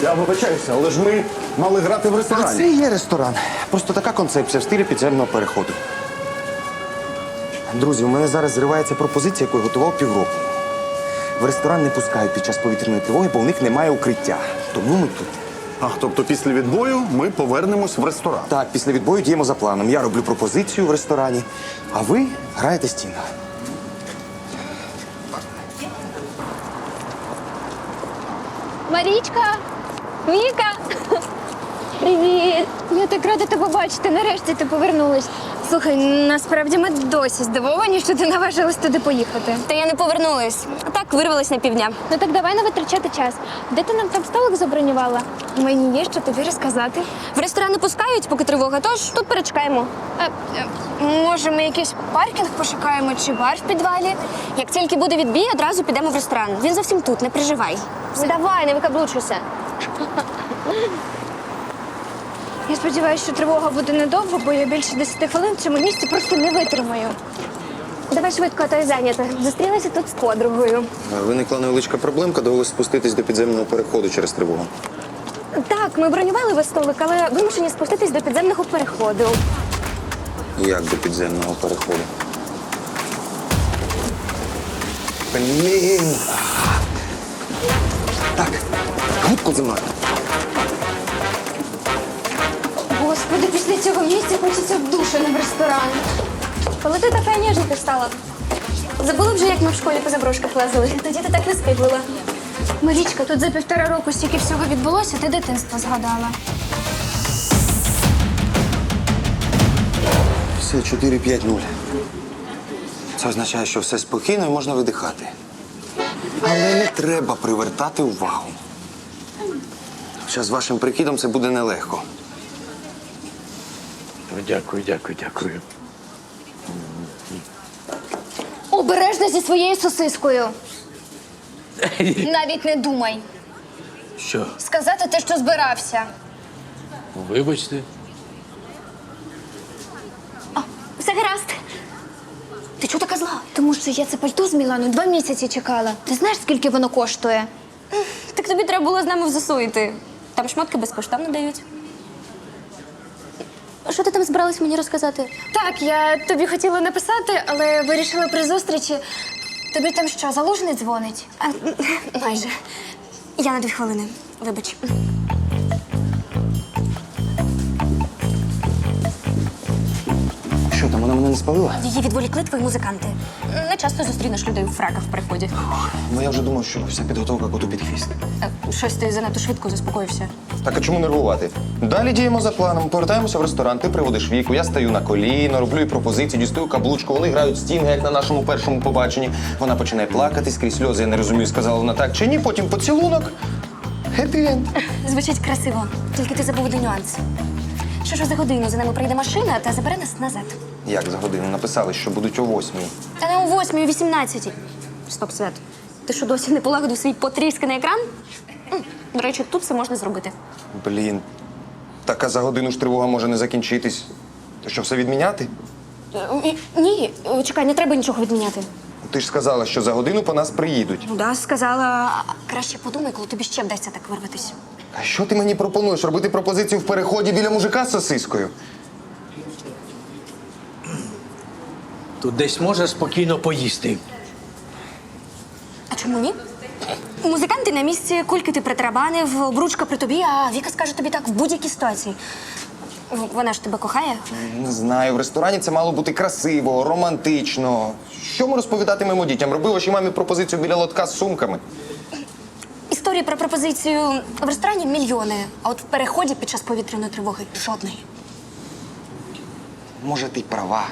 Я вибачаюся, але ж ми мали грати в А ресторані. це і є ресторан. Просто така концепція в стилі підземного переходу. Друзі, у мене зараз зривається пропозиція, яку я готував півроку. В ресторан не пускають під час повітряної тривоги, бо у них немає укриття. Тому ми тут. Тобто після відбою ми повернемось в ресторан. Так, після відбою діємо за планом. Я роблю пропозицію в ресторані, а ви граєте стінга. Марічка! Віка! Привіт! Я так рада тебе бачити. Нарешті ти повернулась. Слухай, насправді ми досі здивовані, що ти наважилась туди поїхати. Та я не повернулась. Так, вирвалась на півдня. Ну так давай не витрачати час. Де ти нам там столик забронювала? Мені є що тобі розказати. В ресторан не пускають, поки тривога, тож тут перечекаємо. Може, ми якийсь паркінг пошукаємо чи бар в підвалі? Як тільки буде відбій, одразу підемо в ресторан. Він зовсім тут, не переживай. Ну, давай, не викаблучуйся. Я сподіваюся, що тривога буде недовго, бо я більше 10 хвилин в цьому місці просто не витримаю. Давай швидко, а то я зайнята. Зустрілася тут з подругою. Виникла невеличка проблемка, довелося спуститись до підземного переходу через тривогу. Так, ми бронювали весь столик, але вимушені спуститись до підземного переходу. Як до підземного переходу? Блін! Так, губку зі мною. Господи, після цього місця хочеться в душ, а не в ресторан. Коли ти така ніжненька стала? Забула вже, як ми в школі по заброшках лазили. Тоді ти так не скиглила. Марічка, тут за 1,5 року стільки всього відбулося, ти дитинство згадала. Все, 4-5-0. Це означає, що все спокійно і можна видихати. Але не треба привертати увагу. Хоча з вашим прикидом це буде нелегко. Дякую. Обережно зі своєю сосискою. Навіть не думай. Що? Сказати те, що збирався. Вибачте. Все гаразд. Ти чого така зла? Тому що я це пальто з Мілану 2 місяці чекала. Ти знаєш, скільки воно коштує? Так тобі треба було з нами в ЗСУ йти. Там шмотки безкоштовно дають. Що ти там збиралась мені розказати? Так, я тобі хотіла написати, але вирішила при зустрічі. Тобі там що, Залужний дзвонить? Майже. Я на 2 хвилини. Вибач. Що там, вона мене не спалила? Її відволікли твої музиканти. Не часто зустрінеш людей у фраках в переході. Ну я вже думав, що вся підготовка коту під хвіст. Щось ти занадто швидко заспокоївся. Так а чому нервувати? Далі діємо за планом. Повертаємося в ресторан, ти приводиш Віку, я стаю на коліно, роблю їй пропозиції, дістаю каблучку, вони грають стінги, як на нашому першому побаченні. Вона починає плакати скрізь сльози, я не розумію, сказала вона так чи ні, потім поцілунок. Хеппі-енд. Звучить красиво, тільки ти забув один нюанс. Що ж за годину за нами прийде машина та забере нас назад. Як за годину? Написали, що будуть о 8:00. Та не о 8:00, о 18:00. Стоп, Свят. Ти що, досі не полагодив свій потрісканий екран? До речі, тут це можна зробити. Блін. Так а за годину ж тривога може не закінчитись. То що, все відміняти? Ні, чекай, не треба нічого відміняти. Ти ж сказала, що за годину по нас приїдуть. Ну да, сказала. Краще подумай, коли тобі ще вдасться так вирватися. А що ти мені пропонуєш? Робити пропозицію в переході біля мужика з сосискою? Тут десь можна спокійно поїсти. А чому ні? Музиканти на місці, кульки ти притарабанив, обручка при тобі, а Віка скаже тобі так в будь-якій ситуації. Вона ж тебе кохає. Не знаю, в ресторані це мало бути красиво, романтично. Що ми розповідатимемо дітям? Роби вашій мамі пропозицію біля лотка з сумками. Історії про пропозицію в ресторані мільйони, а от в переході під час повітряної тривоги жодної. Може, ти й права.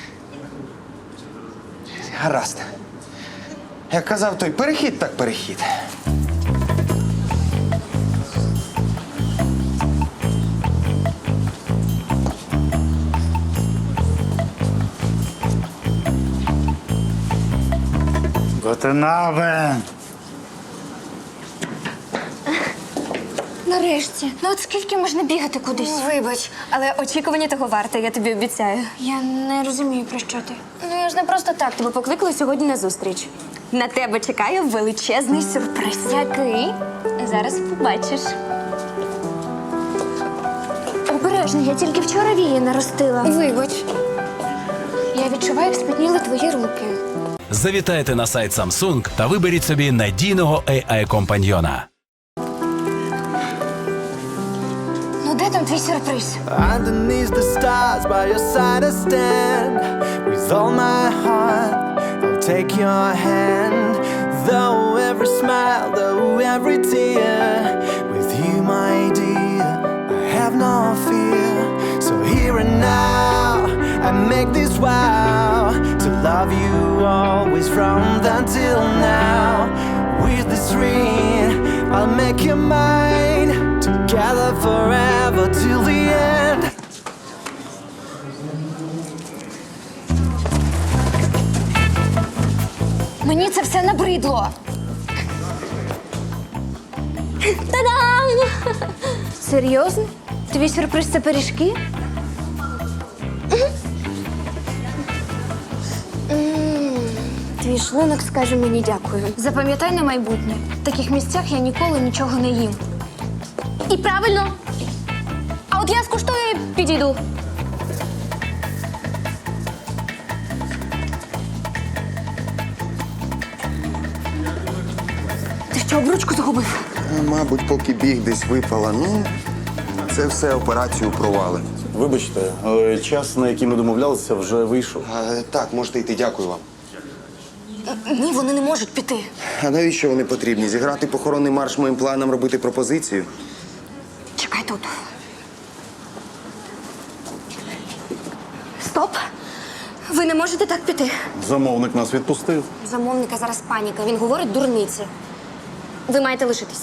Гаразд. Як казав той, перехід так перехід. Готенаве! Нарешті. Ну от скільки можна бігати кудись? Вибач, але очікування того варте, я тобі обіцяю. Я не розумію, про що ти. Ну, я ж не просто так тебе покликала сьогодні на зустріч. На тебе чекає величезний сюрприз. Який? Зараз побачиш. обережно, я тільки вчора вії наростила. Вибач. Я відчуваю, як спітніли твої руки. Завітайте на сайт Samsung та виберіть собі надійного AI-компаньйона. Ну де там твій сюрприз? Underneath the stars, by your side I stand. With all my heart, I'll take your hand. Though every smile, though every tear, with you, my dear, I have no fear. So here and now, I make this vow to love you always from then till now. With this ring, I'll make you mine. Together forever till the end. Мені це все набридло. Та-дам! Серйозно? Твій сюрприз – це пиріжки? Твій шлунок скаже мені дякую. Запам'ятай на майбутнє. В таких місцях я ніколи нічого не їм. І правильно. А от я скуштую і підійду. Ти що, обручку загубив? Мабуть, поки біг десь випала. Ну, це все операцію провали. Вибачте, але час, на який ми домовлялися, вже вийшов. Так, можете йти, дякую вам. Ні, вони не можуть піти. А навіщо вони потрібні? Зіграти похоронний марш моїм планам, робити пропозицію? Чекай тут. Стоп! Ви не можете так піти. Замовник нас відпустив. Замовника зараз паніка. Він говорить дурниці. Ви маєте лишитись.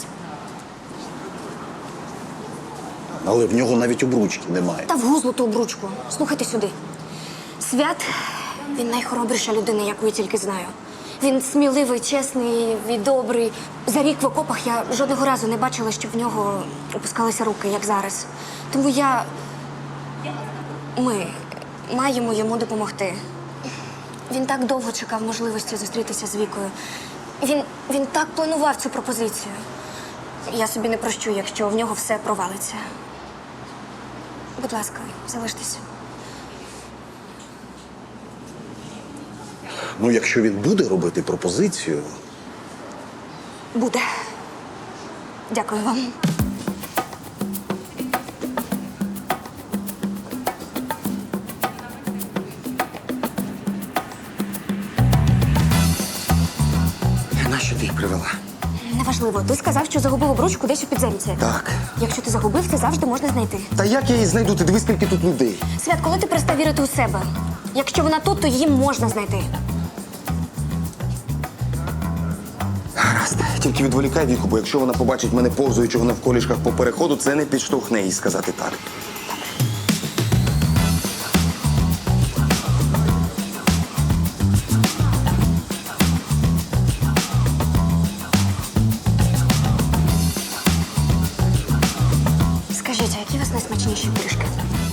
Але в нього навіть обручки немає. Та вгузлу ту обручку. Слухайте сюди. Свят, він найхоробріша людина, яку я тільки знаю. Він сміливий, чесний і добрий. За рік в окопах я жодного разу не бачила, щоб в нього опускалися руки, як зараз. Тому ми маємо йому допомогти. Він так довго чекав можливості зустрітися з Вікою. Він так планував цю пропозицію. Я собі не прощу, якщо в нього все провалиться. Будь ласка, залиштеся. Ну, якщо він буде робити пропозицію, Буде. Дякую вам. Нащо ти їх привела? Неважливо. Ти сказав, що загубив обручку десь у підземці. Так. Якщо ти загубив, це завжди можна знайти. Та як я її знайду? Ти дивись, скільки тут людей. Свят, коли ти перестав вірити у себе? Якщо вона тут, то її можна знайти. Гаразд. Тільки відволікай Віку, бо якщо вона побачить мене повзуючого навколішках по переходу, це не підштовхне їй сказати так. Скажіть, а які у вас найсмачніші пиріжки?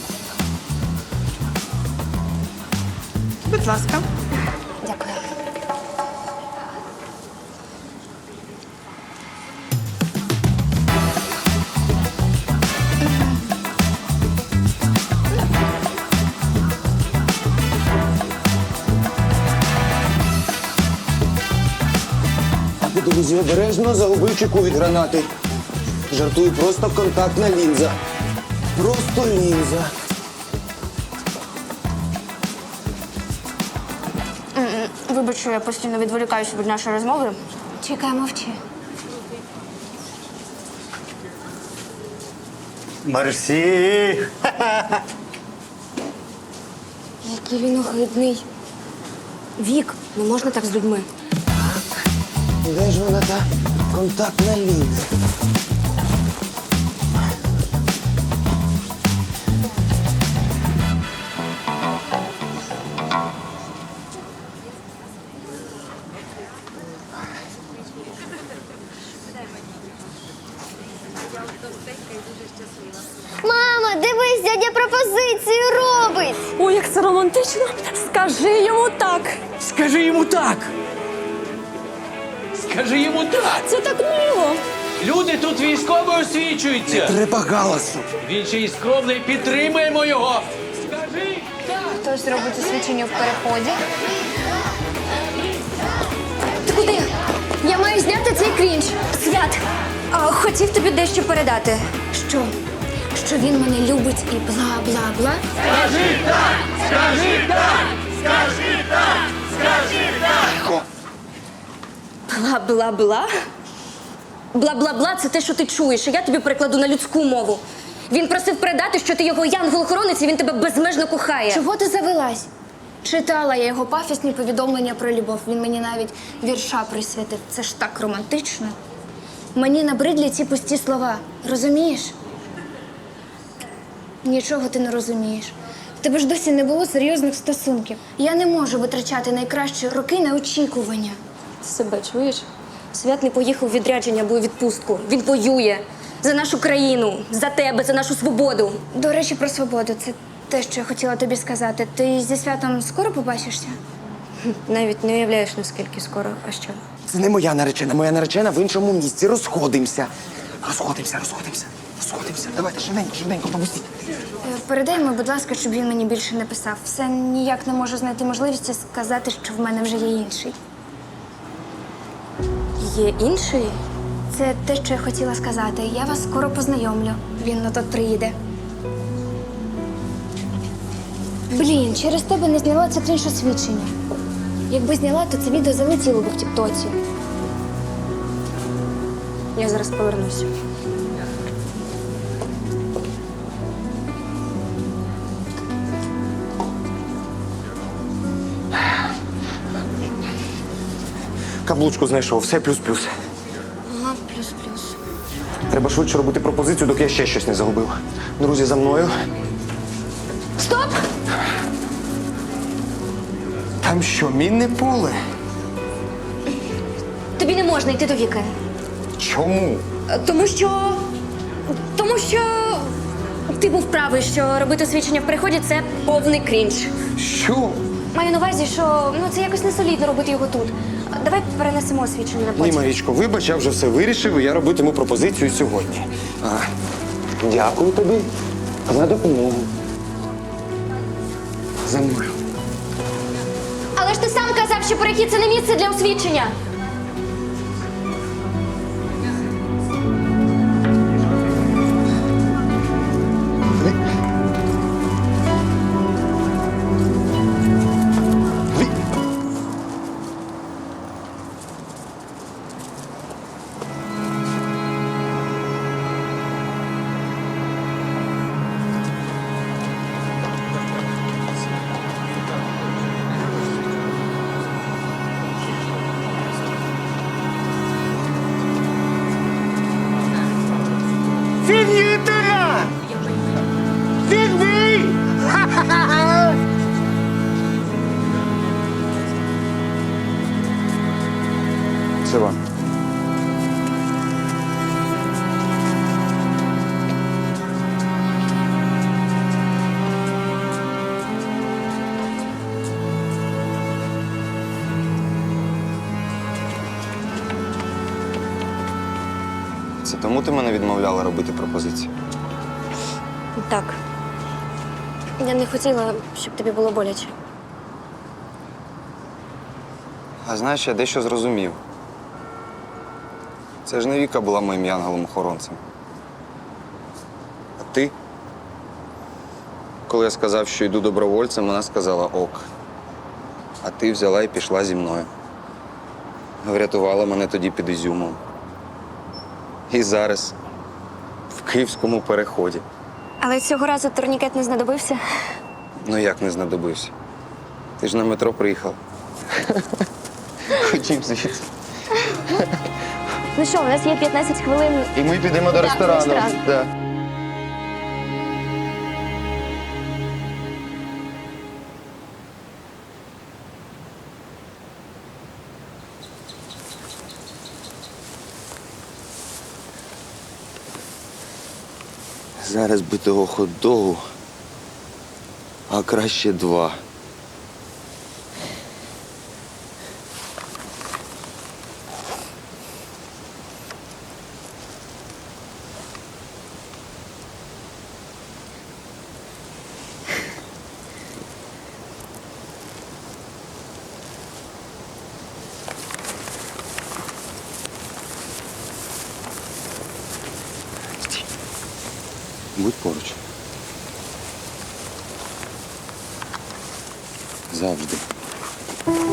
Будь ласка. Дякую. Друзі, обережно загубив чеку від гранати. Жартую, просто контактна лінза. Просто лінза. Вибач, що я постійно відволікаюся від нашої розмови. Чекай, мовчи. мерсі. Який він огидний. Вік, не можна так з людьми. Де ж вона та контактна лінза? Мама, дивись, дядя пропозицію робить. Ой, як це романтично. Скажи йому так. Скажи йому так! Скажи йому так! Це так мило. Люди тут військово освічуються. Треба галасу. Він ще й скромний, підтримаємо його. Скажи так. Хтось робить освічення в переході. Ти куди? Я маю зняти цей крінж. Свят, хотів тобі дещо передати. Що? Що він мене любить і бла-бла-бла? Бла-бла-бла? Бла-бла-бла – це те, що ти чуєш, а я тобі перекладу на людську мову. Він просив передати, що ти його янгол-охоронець, і він тебе безмежно кохає. Чого ти завелась? Читала я його пафісні повідомлення про любов. Він мені навіть вірша присвятив. Це ж так романтично. Мені набридлі ці пусті слова. Розумієш? Нічого ти не розумієш. В тебе ж досі не було серйозних стосунків. Я не можу витрачати найкращі роки на очікування. Ти себе чуєш? Свят не поїхав у відрядження або у відпустку. Він воює за нашу країну, за тебе, за нашу свободу. До речі, про свободу. Це те, що я хотіла тобі сказати. Ти зі Святом скоро побачишся? Навіть не уявляєш, наскільки скоро, а що? Це не моя наречена. Моя наречена в іншому місці. Розходимося. Розходимося. Давайте, швиденько, попустіть. Передай йому, будь ласка, щоб він мені більше не писав. Все ніяк не можу знайти можливості сказати, що в мене вже є інший. Є інший? Це те, що я хотіла сказати. Я вас скоро познайомлю. Він на тут приїде. Блін, через тебе не зняла це крінж освідчення. Якби зняла, то це відео залетіло б в тіктоці. Я зараз повернусь. Каблучку знайшов, все плюс-плюс. Ага, плюс-плюс. Треба швидше робити пропозицію, доки я ще щось не загубив. Друзі, за мною. Стоп! Там що, мінне поле? Тобі не можна йти до Віки. Чому? Тому що ти був правий, що робити освідчення в переході – це повний крінж. Що? Маю на увазі, що це якось несолідно робити його тут. Давай перенесемо освідчення на Ні, потім. Марічко, вибач, я вже все вирішив, і я робитиму пропозицію сьогодні. Дякую тобі за допомогу. За мною. Але ж ти сам казав, що перехід – це не місце для освідчення. Це вам. Це тому ти мене відмовляла робити пропозицію? Так. Я не хотіла, щоб тобі було боляче. А знаєш, я дещо зрозумів. Це ж не Віка була моїм янголом-охоронцем. А ти? Коли я сказав, що йду добровольцем, вона сказала ок. А ти взяла і пішла зі мною. Врятувала мене тоді під Ізюмом. І зараз в Київському переході. Але цього разу турнікет не знадобився. Ну як не знадобився? Ти ж на метро приїхав. Ходім звідси. Ну що, у нас є 15 хвилин. І ми підемо до Да, ресторану. в ресторан. Да. Зараз би того хот-догу, а краще 2. Будь поруч. Завжди.